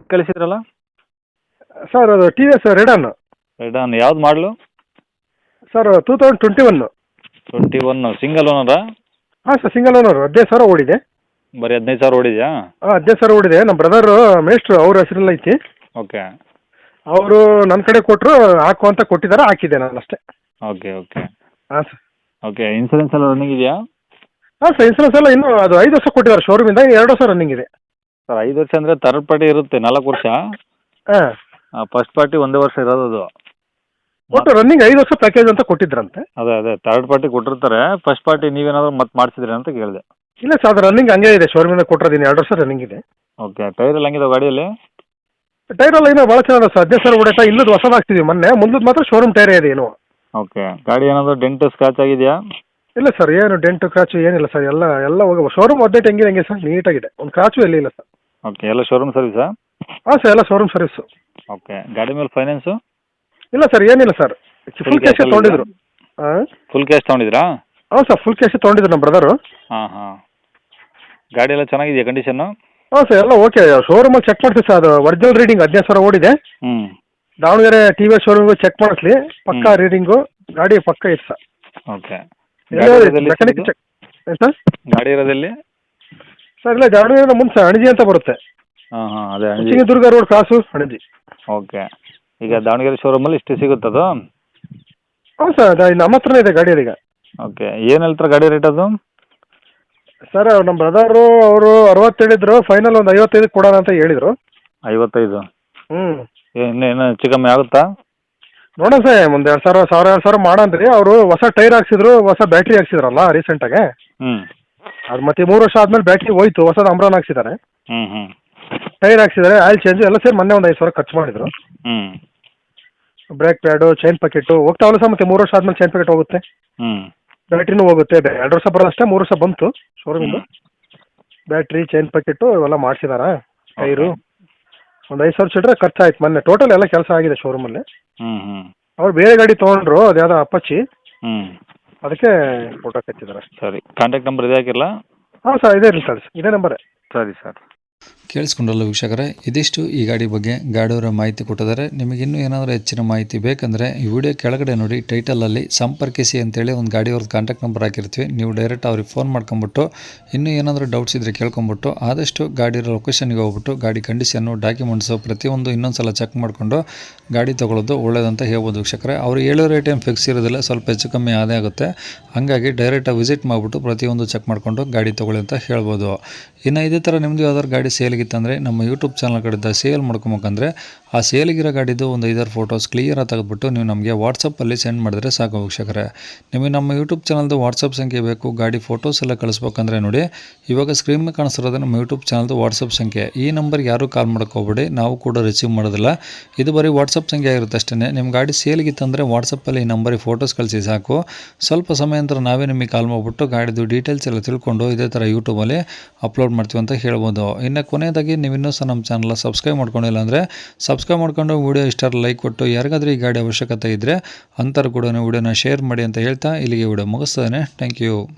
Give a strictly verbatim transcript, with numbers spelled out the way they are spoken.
ಕಳಿಸಿದ್ರಲ್ಲ? Sir ಅದು T V S Radeon. Radeon ಯಾವ್ದು ಮಾಡಲು? Sir two thousand twenty one. Twenty one single ಓನರಾ? ಹಾಂ ಸರ್ ಸಿಂಗಲ್ ಓನರು. ಹದಿನೈದು ಸಾವಿರ ಓಡಿದೆ. ಬರೀ ಹದಿನೈದು ಸಾವಿರ ಓಡಿದೆಯಾ? ಹಾಂ ಹದಿನೈದು ಸಾವಿರ ಓಡಿದೆ. ನಮ್ಮ ಬ್ರದರು ಮೇಸ್ಟ್ರು ಅವ್ರ ಹೆಸರೆಲ್ಲ ಐತಿ. ಓಕೆ ಅವರು ನನ್ನ ಕಡೆ ಕೊಟ್ಟರು, ಹಾಕು ಅಂತ ಕೊಟ್ಟಿದ್ದಾರೆ, ಹಾಕಿದ್ದೆ ನಾನು ಅಷ್ಟೇ. ಓಕೆ ಓಕೆ ಹಾಂ ಸರ್. ಓಕೆ ಇನ್ಸೂರೆನ್ಸ್ ಎಲ್ಲ ರನ್ನಿಂಗ್ ಇದೆಯಾ? ಹಾಂ ಸರ್ ಇನ್ಸೂರೆನ್ಸ್ ಎಲ್ಲ ಇನ್ನೂ ಅದು ಐದು ವರ್ಷ ಕೊಟ್ಟಿದ್ದಾರೆ ಶೋರೂಮಿಂದ, ಎರಡು ವರ್ಷ ರನ್ನಿಂಗ್ ಇದೆ. ಸರ್ ಐದು ವರ್ಷ ಅಂದರೆ ಥರ್ಡ್ ಪಾರ್ಟಿ ಇರುತ್ತೆ ನಾಲ್ಕು ವರ್ಷ. ಹಾಂ ಫಸ್ಟ್ ಪಾರ್ಟಿ ಒಂದೇ ವರ್ಷ ಇರೋದು ಅದು. ಒಟ್ಟು ರನ್ನಿಂಗ್ ಐದು ವರ್ಷ ಪ್ಯಾಕೇಜ್ ಅಂತ ಕೊಟ್ಟಿದ್ರಂತೆ. ಅದೇ ಅದೇ ಥರ್ಡ್ ಪಾರ್ಟಿ ಕೊಟ್ಟಿರ್ತಾರೆ. ಫಸ್ಟ್ ಪಾರ್ಟಿ ನೀವೇನಾದರೂ ಮತ್ತೆ ಮಾಡಿಸಿದ್ರಿ ಅಂತ ಕೇಳಿದೆ. ಇಲ್ಲ ಸರ್ ಅದು ರನ್ನಿಂಗ್ ಹಂಗೆ ಇದೆ, ಶೋರೂಮಿಂದ ಕೊಟ್ಟಿರೋದೀನಿ, ಎರಡು ವರ್ಷ ರನ್ನಿಂಗ್ ಇದೆ. ಓಕೆ ಟೈರ್ ಎಲ್ಲ ಹೆಂಗಿದೆ ಗಾಡಿಯಲ್ಲಿ? ಟೈರ್ ಎಲ್ಲ ಇನ್ನೂ ಭಾಳ ಚೆನ್ನಾಗಿದೆ ಸರ್. ಹದಿನೈದು ಸಾವಿರ ಓಡೈತಾ, ಇಲ್ಲದ ಹೊಸದು ಹಾಕ್ತಿದ್ವಿ ಮೊನ್ನೆ, ಮುಂದದ್ದು ಮಾತ್ರ ಶೋರೂಮ್ ಟೈರೇ ಇದೆ ಏನು. ಓಕೆ ಗಾಡಿ ಏನಾದರೂ ಡೆಂಟ್ ಸ್ಕ್ರಾಚ್ ಆಗಿದೆಯಾ? ಇಲ್ಲ ಸರ್, ಏನು ಡೆಂಟು ಕ್ರಾಚು ಏನಿಲ್ಲ ಸರ್, ಎಲ್ಲ ಎಲ್ಲ ಹೋಗಿ ಶೋರೂಮ್ ಅಪ್ಡೇಟ್ ಹೆಂಗಿದೆ ಹಂಗೆ ಸರ್, ನೀಟಾಗಿದೆ, ಒಂದು ಕ್ರಾಚು ಎಲ್ಲಿ ಇಲ್ಲ ಸರ್. ಓಕೆ ಎಲ್ಲ ಶೋರೂಮ್ ಸರ್ವಿಸಾ? ಹಾಂ ಸರ್ ಎಲ್ಲ ಶೋರೂಮ್ ಸರ್ವಿಸು. ಓಕೆ ಗಾಡಿ ಮೇಲೆ ಫೈನಾನ್ಸು? ಇಲ್ಲ ಸರ್ ಏನಿಲ್ಲ ಸರ್, ಫುಲ್ ಕ್ಯಾಶೇ ತೊಗೊಂಡಿದ್ರು. ಹಾಂ ಫುಲ್ ಕ್ಯಾಶ್ ತೊಗೊಂಡಿದ್ರಾ? ಹಾಂ ಸರ್ ಫುಲ್ ಕ್ಯಾಶೇ ತೊಗೊಂಡಿದ್ರು ನಮ್ಮ ಬ್ರದರು. ಹಾಂ ಹಾಂ ಗಾಡಿ ಎಲ್ಲ ಚೆನ್ನಾಗಿದೆಯಾ ಕಂಡೀಷನ್ನು? ಹಾಂ ಸರ್ ಎಲ್ಲ ಓಕೆ. ಶೋರೂಮಲ್ಲಿ ಚೆಕ್ ಮಾಡ್ತೀವಿ ಸರ್, ಅದು ಒರಿಜಿನಲ್ ರೀಡಿಂಗ್ ಹದಿನೈದು ಸಾವಿರ ಓಡಿದೆ. ಹ್ಞೂ ದಾವಣಗೆರೆ ಟಿ ವಿ ಎಸ್ ಶೋರೂಮ್ಗೆ ಚೆಕ್ ಮಾಡಿಸ್ಲಿ, ಪಕ್ಕಾ ರೀಡಿಂಗು, ಗಾಡಿ ಪಕ್ಕ ಇದೆ ಸರ್. Okay mechanic check. ಏನು ಸರ್? ಗಾಡಿ ಇರೋದಲ್ಲಿ ಸರ್ ಇಲ್ಲ ದಾವಣಗೆರೆ ಮುಂದೆ ಸರ್ ಅಣಜಿ ಅಂತ ಬರುತ್ತೆ. ಹಾಂ ಹಾಂ ಅದೇ Anaji. Chitradurga road cross Anaji. Okay ಈಗ ದಾವಣಗೆರೆ ಶೋರೂಮಲ್ಲಿ ಇಷ್ಟು ಸಿಗುತ್ತದು? ಹ್ಞೂ ಸರ್ ಅದು ನಮ್ಮ ಹತ್ರನೇ ಇದೆ ಗಾಡಿ ಅದೀಗ. ಓಕೆ ಏನು ಹೇಳ್ತಾರೆ ಗಾಡಿ ರೇಟ್ ಅದು? ಸರ್ ನಮ್ಮ ಬ್ರದರು ಅವರು ಅರವತ್ತು ಹೇಳಿದ್ರು, ಫೈನಲ್ ಒಂದು ಐವತ್ತೈದು ಕೊಡೋಣ ಅಂತ ಹೇಳಿದರು. ಐವತ್ತೈದು? ಹ್ಞೂ ಏನು ಏನು ಹೆಚ್ಚು ಕಮ್ಮಿ ಆಗುತ್ತಾ? ನೋಡೋಣ ಸರ್, ಒಂದು ಎರಡು ಸಾವಿರ ಸಾವಿರ ಎರಡು ಸಾವಿರ ಮಾಡಂದ್ರಿ. ಅವರು ಹೊಸ ಟೈರ್ ಹಾಕ್ಸಿದ್ರು, ಹೊಸ ಬ್ಯಾಟ್ರಿ ಹಾಕ್ಸಿದ್ರಲ್ಲ ರೀಸೆಂಟಾಗೆ. ಹ್ಞೂ ಅದು ಮತ್ತೆ ಮೂರು ವರ್ಷ ಆದಮೇಲೆ ಬ್ಯಾಟ್ರಿ ಹೋಯ್ತು, ಹೊಸದು ಅಂಬ್ರಾನ್ ಹಾಕ್ಸಿದ್ದಾರೆ, ಹ್ಞೂ ಹ್ಞೂ ಟೈರ್ ಹಾಕ್ಸಿದ್ದಾರೆ, ಆಯಿಲ್ ಚೇಂಜು ಎಲ್ಲ ಸೇರಿ ಮೊನ್ನೆ ಒಂದು ಐದು ಸಾವಿರ ಖರ್ಚು ಮಾಡಿದ್ರು. ಹ್ಞೂ ಬ್ರೇಕ್ ಪ್ಯಾಡು, ಚೈನ್ ಪ್ಯಾಕೆಟು ಹೋಗ್ತಾವಲ್ಲ ಸರ್, ಮತ್ತೆ ಮೂರು ವರ್ಷ ಆದಮೇಲೆ ಚೈನ್ ಪ್ಯಾಕೆಟ್ ಹೋಗುತ್ತೆ, ಹ್ಞೂ ಬ್ಯಾಟ್ರಿನೂ ಹೋಗುತ್ತೆ. ಎರಡು ವರ್ಷ ಬರೋದಷ್ಟೇ, ಮೂರು ವರ್ಷ ಬಂತು ಶೋರೂಮಿಂದ. ಬ್ಯಾಟ್ರಿ, ಚೈನ್ ಪ್ಯಾಕೆಟು ಇವೆಲ್ಲ ಮಾಡಿಸಿದಾರ, ಟೈರು ಒಂದು ಐದು ಸಾವಿರ ಚಿಲ್ಲರೆ ಖರ್ಚಾಯ್ತು ಮೊನ್ನೆ. ಟೋಟಲ್ ಎಲ್ಲ ಕೆಲಸ ಆಗಿದೆ ಶೋರೂಮಲ್ಲಿ. ಹ್ಞೂ ಹ್ಞೂ ಅವ್ರು ಬೇರೆ ಗಾಡಿ ತೊಗೊಂಡ್ರು, ಅದು ಯಾವುದೋ ಅಪ್ಪಚ್ಚಿ, ಹ್ಞೂ ಅದಕ್ಕೆ ಫೋಟೋ ಕಚ್ಚಿದ್ದಾರೆ. ಸರಿ ಕಾಂಟ್ಯಾಕ್ಟ್ ನಂಬರ್ ಇದೆ ಹಾಕಿರಲ್ಲ? ಹಾಂ ಸರ್ ಇದೇ ಇರಲಿ ಸರ್, ಇದೇ ನಂಬರೇ. ಸರಿ ಸರ್. ಕೇಳಿಸ್ಕೊಂಡ್ರಲ್ಲ ವೀಕ್ಷಕರೇ, ಇದಿಷ್ಟು ಈ ಗಾಡಿ ಬಗ್ಗೆ ಗಾಡಿಯವರ ಮಾಹಿತಿ ಕೊಟ್ಟಿದ್ದಾರೆ. ನಿಮಗಿನ್ನೂ ಏನಾದರೂ ಹೆಚ್ಚಿನ ಮಾಹಿತಿ ಬೇಕಂದರೆ ಈ ವಿಡಿಯೋ ಕೆಳಗಡೆ ನೋಡಿ ಟೈಟಲಲ್ಲಿ ಸಂಪರ್ಕಿಸಿ ಅಂತೇಳಿ ಒಂದು ಗಾಡಿಯವ್ರದ್ದು ಕಾಂಟ್ಯಾಕ್ಟ್ ನಂಬರ್ ಹಾಕಿರ್ತೀವಿ. ನೀವು ಡೈರೆಕ್ಟ್ ಅವ್ರಿಗೆ ಫೋನ್ ಮಾಡ್ಕೊಂಬಿಟ್ಟು ಇನ್ನೂ ಏನಾದರೂ ಡೌಟ್ಸ್ ಇದ್ದರೆ ಕೇಳ್ಕೊಂಬಿಟ್ಟು ಆದಷ್ಟು ಗಾಡಿ ಲೊಕೇಶನ್ಗೆ ಹೋಗ್ಬಿಟ್ಟು ಗಾಡಿ ಕಂಡೀಷನ್ನು, ಡಾಕ್ಯುಮೆಂಟ್ಸು ಪ್ರತಿಯೊಂದು ಇನ್ನೊಂದು ಸಲ ಚೆಕ್ ಮಾಡಿಕೊಂಡು ಗಾಡಿ ತೊಗೊಳ್ಳೋದು ಒಳ್ಳೇದಂತ ಹೇಳ್ಬೋದು ವೀಕ್ಷಕರೇ. ಅವರು ಹೇಳೋ ರೇಟ್ ಏನು ಫಿಕ್ಸ್ ಇರೋದಿಲ್ಲ, ಸ್ವಲ್ಪ ಹೆಚ್ಚು ಕಮ್ಮಿ ಆದೇ ಆಗುತ್ತೆ. ಹಾಗಾಗಿ ಡೈರೆಕ್ಟಾಗಿ ವಿಸಿಟ್ ಮಾಡಿಬಿಟ್ಟು ಪ್ರತಿಯೊಂದು ಚೆಕ್ ಮಾಡಿಕೊಂಡು ಗಾಡಿ ತೊಗೊಳ್ಳಿ ಅಂತ ಹೇಳ್ಬೋದು. ಇನ್ನು ಇದೇ ಥರ ನಿಮ್ಮದು ಯಾವ್ದಾದ್ರು ಗಾಡಿ ಸೇಲಿಗಿತ್ತಂದರೆ ನಮ್ಮ ಯೂಟ್ಯೂಬ್ ಚಾನಲ್ ಕಡೆಯಿಂದ ಸೇಲ್ ಮಾಡ್ಕೊಬೇಕಂದ್ರೆ ಆ ಸೇಲಿಗಿರೋ ಗಾಡಿದು ಒಂದು ಐದಾರು ಫೋಟೋಸ್ ಕ್ಲಿಯರಾಗಿ ತೆಗೆದುಬಿಟ್ಟು ನೀವು ನಮಗೆ ವಾಟ್ಸಪ್ಪಲ್ಲಿ ಸೆಂಡ್ ಮಾಡಿದ್ರೆ ಸಾಕು ವೀಕ್ಷಕರೇ. ನಿಮಗೆ ನಮ್ಮ ಯೂಟ್ಯೂಬ್ ಚಾನಲ್ದು ವಾಟ್ಸಪ್ ಸಂಖ್ಯೆ ಬೇಕು, ಗಾಡಿ ಫೋಟೋಸ್ ಎಲ್ಲ ಕಳಿಸ್ಬೇಕಂದ್ರೆ ನೋಡಿ ಇವಾಗ ಸ್ಕ್ರೀನ್ ಮೇಲೆ ಕಾಣಿಸ್ತಿರೋದು ನಮ್ಮ ಯೂಟ್ಯೂಬ್ ಚಾನಲ್ದು ವಾಟ್ಸಪ್ ಸಂಖ್ಯೆ. ಈ ನಂಬರ್ಗೆ ಯಾರೂ ಕಾಲ್ ಮಾಡೋಕ್ಕೋಗ್ಬೇಡಿ, ನಾವು ಕೂಡ ರಿಸೀವ್ ಮಾಡೋದಿಲ್ಲ. ಇದು ಬರೀ ವಾಟ್ಸಪ್ ಸಂಖ್ಯೆ ಆಗಿರುತ್ತೆ ಅಷ್ಟೇ. ನಿಮ್ಮ ಗಾಡಿ ಸೇಲಿಗಿತ್ತಂದರೆ ವಾಟ್ಸಪ್ಪಲ್ಲಿ ಈ ನಂಬರಿಗೆ ಫೋಟೋಸ್ ಕಳಿಸಿ ಸಾಕು. ಸ್ವಲ್ಪ ಸಮಯ ನಂತರ ನಾವೇ ನಿಮಗೆ ಕಾಲ್ ಮಾಡಿಬಿಟ್ಟು ಗಾಡಿದು ಡೀಟೇಲ್ಸ್ ಎಲ್ಲ ತಿಳ್ಕೊಂಡು ಇದೇ ಥರ ಯೂಟ್ಯೂಬಲ್ಲಿ ಅಪ್ಲೋಡ್ ಮಾಡ್ತೀವಿ ಅಂತ ಹೇಳ್ಬೋದು. ಇನ್ನು ಕೊನೆಯದಾಗಿ ನೀವು ಇನ್ನೂ ಸಹ ನಮ್ಮ ಚಾನಲ್ ಸಬ್ಸ್ಕ್ರೈಬ್ ಮಾಡ್ಕೊಂಡಿಲ್ಲ ಅಂದರೆ ಸಬ್ಸ್ಕ್ರೈಬ್ ಮಾಡ್ಕೊಂಡು ವಿಡಿಯೋ ಇಷ್ಟ ಲೈಕ್ ಕೊಟ್ಟು ಯಾರಿಗಾದ್ರೂ ಈ ಗಾಡಿ ಅವಶ್ಯಕತೆ ಇದ್ದರೆ ಅಂಥವ್ರು ಕೂಡ ವಿಡಿಯೋನ ಶೇರ್ ಮಾಡಿ ಅಂತ ಹೇಳ್ತಾ ಇಲ್ಲಿಗೆ ವಿಡಿಯೋ ಮುಗಿಸ್ತೇನೆ. Thank you.